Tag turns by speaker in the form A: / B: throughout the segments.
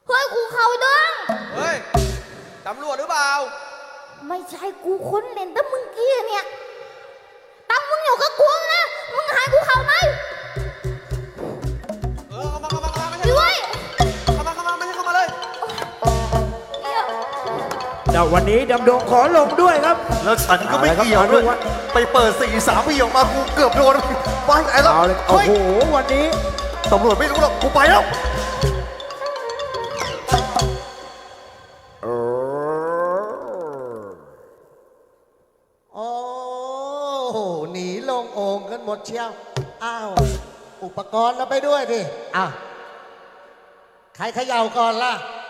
A: เฮ้ยกูเขาดึง
B: เฮ้ยตำรวจหรือเปล่า
A: ไม่ใช่กูค้นเล่นแต่มึงกี้เนี่ยตั้งมึงอยู่กับกูนะมึงหายกูเขาไหม
B: เข้ามาไม่ใช่
A: ด้วย
B: เข้ามาไม่ใช่เข้ามาเลย
C: แต่วันนี้ดำดงขอลงด้วยครับ
D: แล้วฉันก็ไม่เกี่ยวด้วยไปเปิด4-3ปีออกมากูเกือบโดนวางไอ้แล้ว
C: โอ้โหวันนี้
D: ตำรวจไม่รู้หรอกกูไปแล้ว
E: โอ้หนีลงโอ่งกันหมดเชียวอ้าวอุปกรณ์เราไปด้วยดิอ้าวใครเขย่าก่อนล่ะ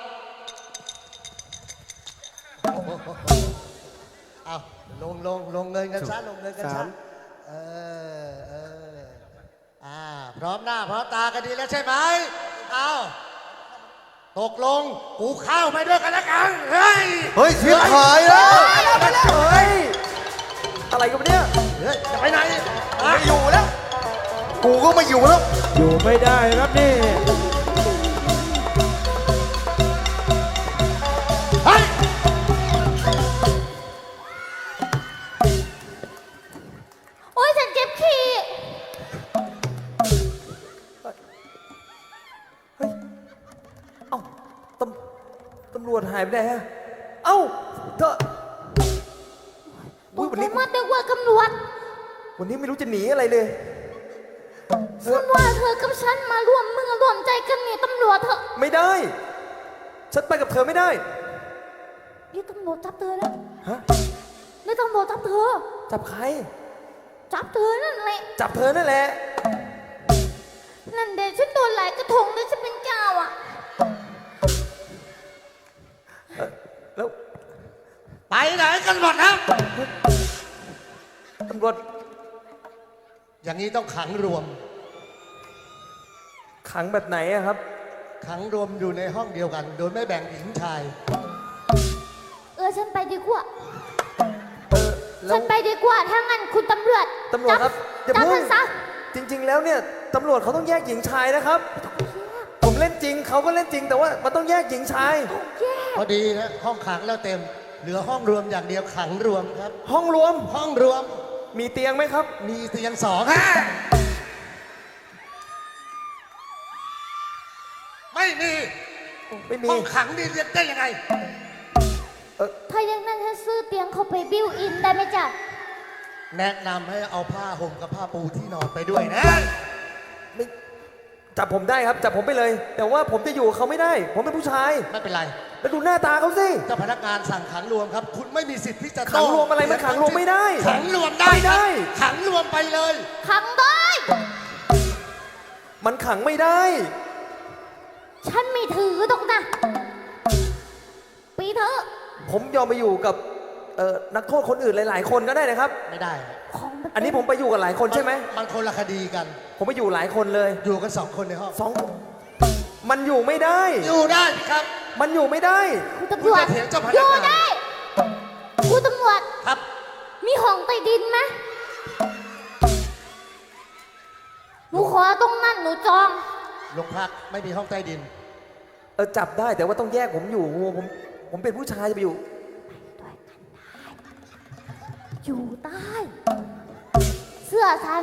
E: เอาลงเงินกันซะลงเงินกันซะเออพร้อมหน้าพร้อมตากันดีแล้วใช่ไหมเอาตกลงกูเข้าไปด้วยกันแล้วกันเฮ้ย
D: ชิบหายแล้ว
C: เฮ้ยอะไรกันเนี่ย
E: จะไปไหน
D: ไม่อยู่แล้วกูก็ไม่อยู่แล้ว
C: อยู่ไม่ได้ครับนี่
E: เฮ้ย
A: โอ๊ยฉันเจ็บขี้
B: เอ้าตำรวจหายไปไหนฮะเอ้าเธอ
A: วันนี้มาเด็กว่าตำรวจ
B: วันนี้ไม่รู้จะหนีอะไรเลย
A: ฉันว่าเธอกับฉันมาร่วมมือร่วมใจกันหนีตำรวจเถอะ
B: ไม่ได้ฉันไปกับเธอไม่ได้
A: นี่ตำรวจจับเธอแล้ว
B: ฮะ
A: นี่ตำรวจจับเธอ
B: จับใคร
A: จับเธอนั่นแหละ
B: จับเธอนั่นแหละ
A: นั่นเด็กฉันโดนหลายกระทงเลยฉันเป็นเจ้าอ่ะ
B: แล้ว
E: ไปไหนกันหมดนะ
B: ตำรวจ
E: อย่างนี้ต้องขังรวม
B: ขังแบบไหนอะครับ
E: ขังรวมอยู่ในห้องเดียวกัน โดยไม่แบ่งหญิงชาย
A: ฉันไปดีกว่าฉันไปดีกว่าถ้างั้นคุณตำรวจ
B: ครับ
A: จับฉันซะ
B: จริงๆแล้วเนี่ยตำรวจเขาต้องแยกหญิงชายนะครับผมเล่นจริงเขาก็เล่นจริงแต่ว่ามันต้องแยกหญิงชาย
E: พอดีนะห้องขังแล้วเต็มเหลือห้องรวมอย่างเดียวขังรวมครับ
B: ห้องรวมมีเตียงไหมครับ
E: มีเตียง2ไม่มีห้องขังนี่เรียกได้ยังไง
A: ถ้าอย่างนั้นฉันซื้อเตียงเขาไปบิวอินได้ไหมจ๊ะ
E: แนะนำให้เอาผ้าห่มกับผ้าปูที่นอนไปด้วยนะ
B: ไม่จับผมได้ครับจับผมไปเลยแต่ว่าผมจะอยู่เขาไม่ได้ผมเป็นผู้ชาย
E: ไม่เป็นไร
B: แล้วดูหน้าตาเขาสิ
E: เจ้าพนักงานสั่งขังรวมครับคุณไม่มีสิทธิ์ที่จะ
B: ขังรวมอะไรมันขังรวมไม่ได้
E: ขังรวมได้ขังรวมไปเลย
A: ขังได้
B: มันขังไม่ได้
A: ฉันไม่ถือตรงนะปีเถอะ
B: ผมยอมไปอยู่กับนักโทษคนอื่นหลายๆคนก็ได้นะครับ
E: ไม่ได้
B: อันนี้ผมไปอยู่กับหลายคนใช่ไหม
E: มันคนละคดีกัน
B: ผมไปอยู่หลายคนเลย
E: อยู่กัน2 คนในห้อง
B: มันอยู่ไม่ได้
E: อยู่ได้ครับ
B: มันอยู่ไม่ได้
A: คุณตำรวจอยู่ได้คุณตำรวจ
E: ครับ
A: มีห้องใต้ดินไหมหนูขอตรงนั้นหนูจอง
E: โรงพักไม่มีห้องใต้ดิน
B: จับได้แต่ว่าต้องแยกผมอยู่ผมเป็นผู้ชายจะไปอยู่
A: อยู่ใต้เสื้อฉัน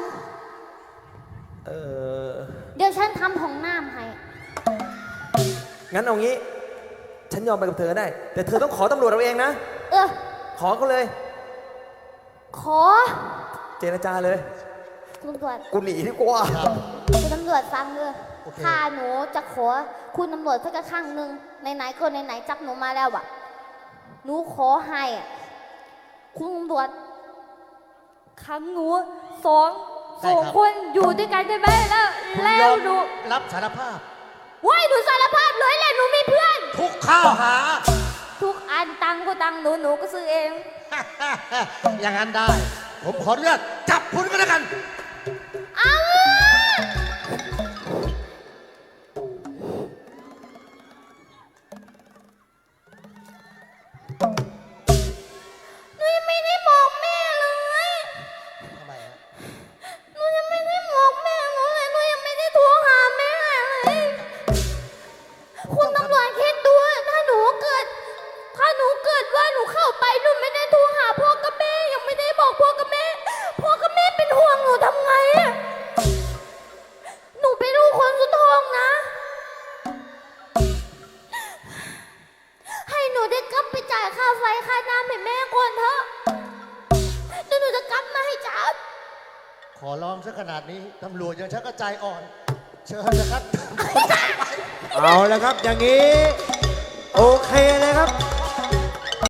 A: เดี๋ยวฉันทำห้องน้ำให้
B: งั้นเอางี้ฉันยอมไปกับเธอได้แต่เธอต้องขอตำรวจเราเองนะขอเขาเลย
A: ขอ
B: เจรจาเลย
A: คุณตำรวจ
B: กูหนีดีกว่า
A: คุณตำรวจฟังเลยถ้าหนูจะขอคุณตำรวจสักครั้งหนึ่งไหนๆก็ไหนๆจับหนูมาแล้วอะหนูขอให้คุณตำรวจขังหนูสองคนอยู่ด้วยกันได้ไหมแล้วหนู
E: รับสารภาพ
A: ว้ายหนูสารภาพเลยแหละหนูมีเพื่อน
E: ทุกข้าวหา
A: ทุกอันตังก็ตังหนูก็ซื้อเอง
E: อย่างนั้นได้ผมขอเลือกจับคุณก็แล้วกัน
A: เอาหนูยังไม่ได้บอกแม่เลย
E: ทำไมฮะ
A: หนูยังไม่ได้บอกแม่เลยหนูยังไม่ได้โทรหาแม่เลยคุณตำรวจแค่ายค่าไฟค่าน้ำให้แม่ก่อนเถอะเดี๋ยวหนูจะกลับมาให้จับ
E: ขอร้องซะขนาดนี้ตำรวจยังชักกระใจอ่อน เชิญนะครับ
C: เอาละครับ อย่างนี้ โอเคเลยครับ